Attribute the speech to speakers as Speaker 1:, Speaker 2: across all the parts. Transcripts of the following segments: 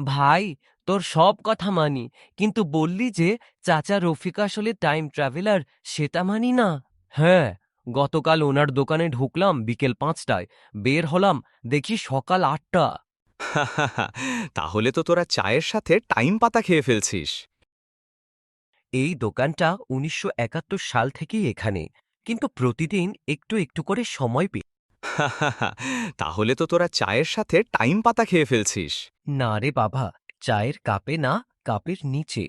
Speaker 1: ভাই, তোর সব কথা মানি, কিন্তু বললি যে চাচা রফিক আসলে টাইম ট্রাভেলার, সেটা মানি না। হ্যাঁ, গতকাল ওনার দোকানে ঢুকলাম বিকেল 5টায়, বের হলাম দেখি সকাল 8টা।
Speaker 2: তাহলে তো তোরা চায়ের সাথে টাইম পাতা খেয়ে ফেলছিস।
Speaker 1: এই দোকানটা 1971 সাল থেকেই এখানে, কিন্তু প্রতিদিন একটু একটু করে সময় পেয়ে।
Speaker 2: তাহলে তো তোরা চায়ের সাথে টাইম পাতা খেয়ে ফেলছিস।
Speaker 1: না রে বাবা, চায়ের কাপে না, কাপের নিচে।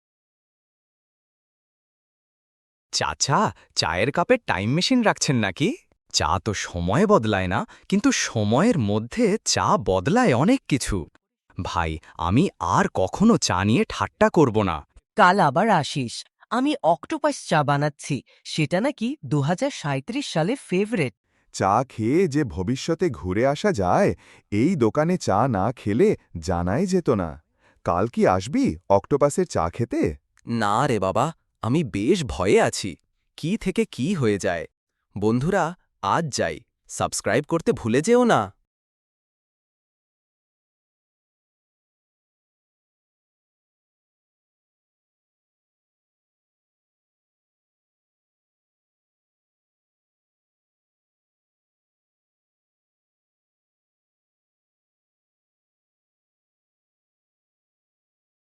Speaker 2: চাচা, চায়ের কাপে টাইম মেশিন রাখছেন নাকি? চা তো সময় বদলায় না, কিন্তু সময়ের মধ্যে চা বদলায় অনেক কিছু। ভাই, আমি আর কখনো চা নিয়ে ঠাট্টা করব না।
Speaker 1: কাল আবার আসিস, আমি অক্টোপাস চা বানাচ্ছি, সেটা নাকি 2037 সালে ফেভারেট।
Speaker 3: চা খেয়ে যে ভবিষ্যতে ঘুরে আসা যায়, এই দোকানে চা না খেলে জানাই যেত না। কাল কি আসবি অক্টোপাসের চা খেতে?
Speaker 2: না রে বাবা, আমি বেশ ভয়ে আছি। কি থেকে কি হয়ে যায়। বন্ধুরা, আজ যাই, সাবস্ক্রাইব করতে ভুলে যেও না।